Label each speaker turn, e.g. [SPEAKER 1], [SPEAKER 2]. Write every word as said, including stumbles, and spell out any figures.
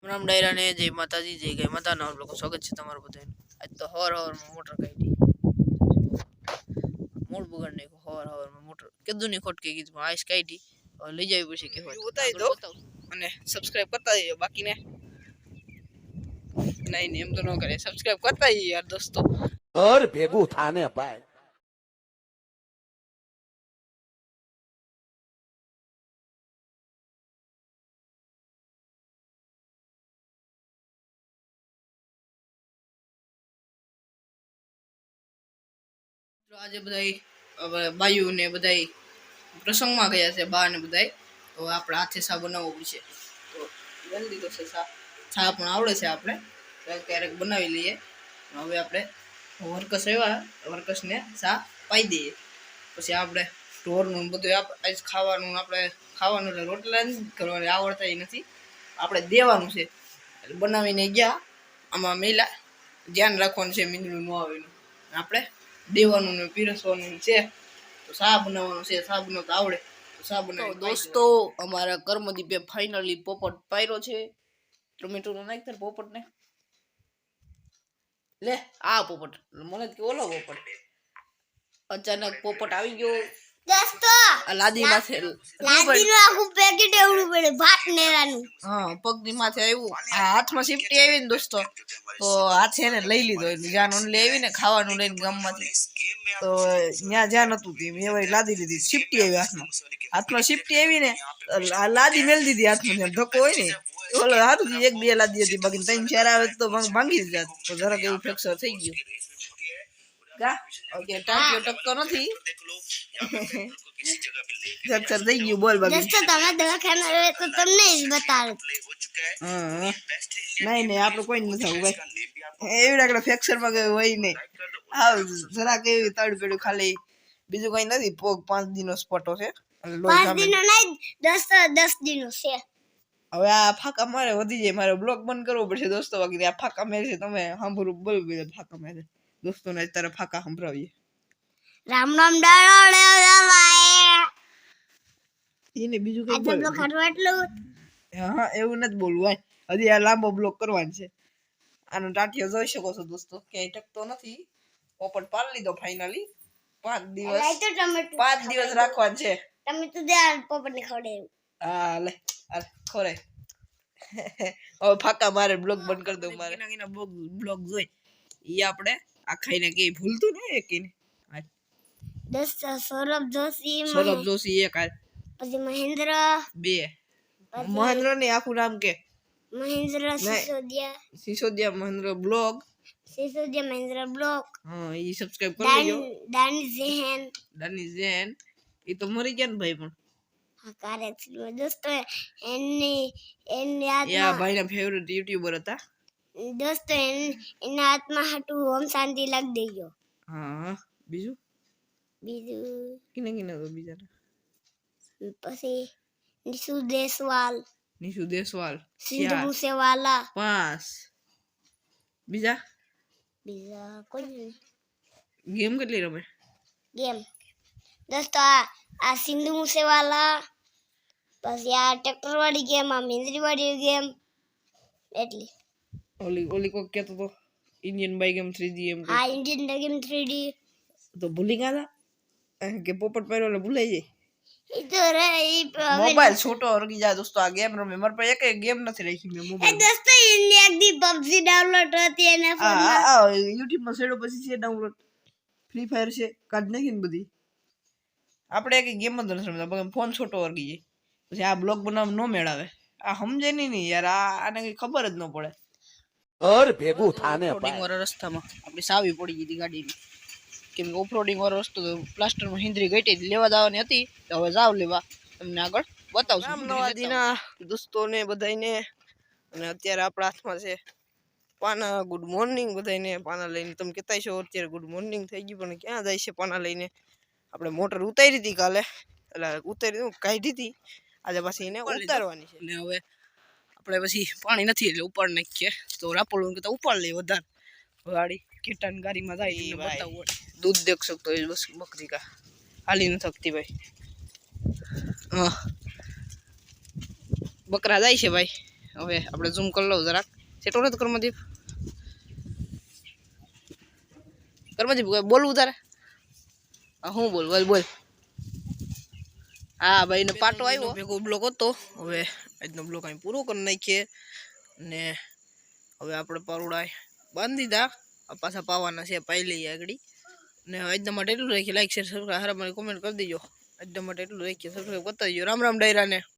[SPEAKER 1] રામ ડાયરા ને જય માતાજી જય ગાય માતાના લોકો સ્વાગત છે તમારું બધાનું। આજ તો હવાર હવારમાં મોટર કાઢી મૂળ બગાડ નાખ્યો। હવાર હવારમાં મોટર કીધું ની ખોટકી કીધું પણ આઈસ કાઢી હવે લઈ જાવી પછી કે હોય બતાવી દો અને સબસ્ક્રાઇબ કરતા જજો બાકીને નહીં નહીં એમ તો ન કરે સબસ્ક્રાઇબ કરતા જજો યાર દોસ્તો
[SPEAKER 2] ઘર ભેગું થાને ભાઈ।
[SPEAKER 1] આજે બધાય બાયુ ને બધાય પ્રસંગમાં ગયા છે બા ને બધાય તો આપણે હાથે સા બનાવવો પડશે તો બની દીધો છે સા સા પણ આવડે છે આપણે ક્યારેક બનાવી લઈએ હવે આપણે વર્કસ આવ્યા વર્કસને સા પાઈ દઈએ પછી આપણે ઢોરનું બધું આજ ખાવાનું આપણે ખાવાનું એટલે રોટલા કરવાની આવડતા નથી આપણે દેવાનું છે એટલે બનાવીને ગયા આમાં મેલા ધ્યાન રાખવાનું છે મીંદડું ન આવે આપણે દેવાનું ને પીરસવાનું છે તો સા બનાવવાનું છે સા બનાવતા આવડે તો સા બનાવી દોસ્તો અમારા કર્મદીપે ફાઇનલી પોપટ પાયરો છે ટોમેટો નો નાખ પોપટ ને લે આ પોપટ મને કે ઓલો પોપટ અચાનક પોપટ આવી ગયો
[SPEAKER 3] દોસ્તો
[SPEAKER 1] આ લાદી માથે
[SPEAKER 3] લાદીનું આખું પેકેટ એવડું પડે ભાત નેરાનું
[SPEAKER 1] હા પગની માથે આવ્યું આ હાથમાં સિફટી આવી ને દોસ્તો તો હાથે એને લઈ લીધો જ્યાં ઓનલી આવી ને ખાવાનું લઈને ગામમાંથી તો ત્યાં જ્યાં નતું તે મેં લાદી લીધી સિફટી આવી હાથમાં હાથમાં સિફટી આવી ને લાદી મેળ દીધી હાથમાં જ્યાં ધક્કો હોય ને ઓલો હારું એક બે લાદી હતી બાકી ત્રણ ચાર આવે તો ભાંગી દીધા તો જરાક એવું ફ્રેક્ચર થઈ ગયું ગા ઓકે ટાંકીઓ ટકતો નથી ફ્રેક્ચર થઈ ગયું બોલ બાકી
[SPEAKER 3] દોસ્તો તમે દવાખાને આવે તો તમને જ બતાડું
[SPEAKER 1] હા નહીં નહીં આપણે કોઈ નથી આવું ભાઈ એવી લાગે ફ્રેક્ચર માં કઈ હોય નહીં હા જરાક એવી તડ પેડું ખાલી બીજું કઈ નથી પોગ પાંચ દિનો સ્પોટો છે
[SPEAKER 3] પાંચ દિનો નહીં દસ દસ દિનો છે
[SPEAKER 1] હવે આ ફાકા મારે વધી જાય મારે બ્લોગ બંધ કરવો પડશે દોસ્તો બાકી આ ફાકા મેરે છે તમે સાંભળું બોલ બે ફાકા મેરે દોસ્તોને અત્યારે ફાકા સંભળાવીએ
[SPEAKER 3] રામ રામ ડાળો
[SPEAKER 1] એને બીજું કઈ
[SPEAKER 3] બોલ આ ખાટું એટલું
[SPEAKER 1] હા એવું નથી બોલવું હજી આ લાંબો બ્લોગ કરવાનો છે આનો ટાટિયો જોઈ શકો છો દોસ્તો ક્યાંય ટકતો નથી પોપટ પાડી લીધો ફાઇનલી પાંચ દિવસ પાંચ દિવસ રાખવાનું છે
[SPEAKER 3] તમે તો દે પોપટ ને ખવડાવ્યું
[SPEAKER 1] હા લે આ ખોરે હવે ફાકા મારે બ્લોગ બંધ કરી દઉં મારે બ્લોગ જોઈ ઈ આપણે આ ખાઈને કે ભૂલતું ને એકીને
[SPEAKER 3] દોસ્તો સૌરભ જોશી
[SPEAKER 1] સૌરભ જોશી એક આ
[SPEAKER 3] પછી મહેન્દ્ર
[SPEAKER 1] બે મહેન્દ્ર ને આખું નામ કે
[SPEAKER 3] મહેન્દ્ર સિસોદિયા
[SPEAKER 1] સિસોદિયા મહેન્દ્ર બ્લોગ
[SPEAKER 3] સિસોદિયા મહેન્દ્ર બ્લોગ
[SPEAKER 1] હા ઈ સબસ્ક્રાઇબ કરી લેજો
[SPEAKER 3] દાની ઝેન
[SPEAKER 1] દાની ઝેન ઈ તો મરી ગયા ને ભાઈ પણ
[SPEAKER 3] હા કરેક્ટ દોસ્તો એની એની
[SPEAKER 1] યા ભાઈના ફેવરિટ યુટ્યુબર હતા
[SPEAKER 3] દોસ્તો એના હાથમાં હાટું ઓમ શાંતિ લાગ દેજો
[SPEAKER 1] હા બીજું
[SPEAKER 3] બીજું
[SPEAKER 1] કિને કિને તો બીજા
[SPEAKER 3] પછી નિશુ દેસવાલ
[SPEAKER 1] નિશુ દેસવાલ
[SPEAKER 3] સિંધુ મુસેવાલા
[SPEAKER 1] પાંચ બીજા
[SPEAKER 3] બીજા કોઈ
[SPEAKER 1] ગેમ કેટલી રમે
[SPEAKER 3] ગેમ દોસ્તો આ આ સિંધુ મુસેવાલા પછી આ ટ્રેક્ટર વાળી ગેમ આ મેંદરી વાળી ગેમ એટલી
[SPEAKER 1] ઓલી ઓલી કોઈ કહેતો તો ઇન્ડિયન બાઈ ગેમ થ્રી ડી એમ
[SPEAKER 3] હા ઇન્ડિયન ગેમ થ્રી ડી
[SPEAKER 1] તો ભૂલી ગયા હતા કે પોપટ પહેરો એટલે ભૂલાઈ જાય
[SPEAKER 3] ઈ તો રે ઈ
[SPEAKER 1] મોબાઈલ છોટો રગી જાય દોસ્તો આ ગેમ રમે મારા પાસે એક ગેમ નથી રાખી મે મોબાઈલ
[SPEAKER 3] એ દોસ્તો ઇન્ડિયા એક દી પબજી ડાઉનલોડ હતી એના
[SPEAKER 1] ફોનમાં આ YouTube માં સેડો પછી છે ડાઉનલોડ ફ્રી ફાયર છે કાઢ નાખીને બધી આપણે એક ગેમ જ નથી રમતા ફોન છોટો વરગી જાય પછી આ બ્લોગ બનાવ નો મેળાવે આ સમજે નહીં નહીં યાર આ આને કઈ ખબર જ ન પડે
[SPEAKER 2] ઘર ભેગું થાને
[SPEAKER 1] ભાઈ વાળા રસ્તામાં આપણી સાવી પડી ગઈ હતી ગાડીની કેમ કે ઓફરોડિંગ વાળો રસ્તો તો પ્લાસ્ટરમાં હિન્દ્રી ગઈ લેવા જવાની હતી તો હવે જાવ લેવા તમને આગળ બતાવશું નવા દીના દોસ્તોને બધાને અને અત્યારે આપણા હાથમાં છે પાના ગુડ મોર્નિંગ બધાને પાના લઈને તમે કહેતા છો અત્યારે ગુડ મોર્નિંગ થઈ ગયું પણ ક્યાં જાય છે પાના લઈને આપણે મોટર ઉતારી હતી કાલે એટલે ઉતારી કાઢી હતી આજે પાછી એને ઉતારવાની છે એટલે હવે આપણે પછી પાણી નથી એટલે ઉપાડ નાખીએ તો રાપોળું કહેતા ઉપાડ લઈએ વધારે ગાડી કીટાન ગાડીમાં જાય બતાવું દૂધ દેખ શકતો એ બસ બકરી કા હાલી ન થકતી ભાઈ હા બકરા જાય છે ભાઈ હવે આપણે ઝૂમ કરી લઉં જરાક સેટો નથી કર્મદીપ કર્મદીપ બોલવું તારે હા હું બોલ બોલ બોલ હા ભાઈ ને પાટો આવ્યો ભેગો બ્લોક હતો હવે આજનો બ્લોક અહીં પૂરો કરી નાખીએ ને હવે આપણે પરોડા બાંધી દીધા પાછા પાવાના છે પાઈ લઈએ આગળ ને આજના માટે એટલું રાખીએ લાઈક શેર સબસ્ક્રાઈબ હારા મારી કોમેન્ટ કરી દેજો આજના માટે એટલું રાખીએ સબસ્ક્રાઈબ કરતા દેજો રામ રામ ડાયરાને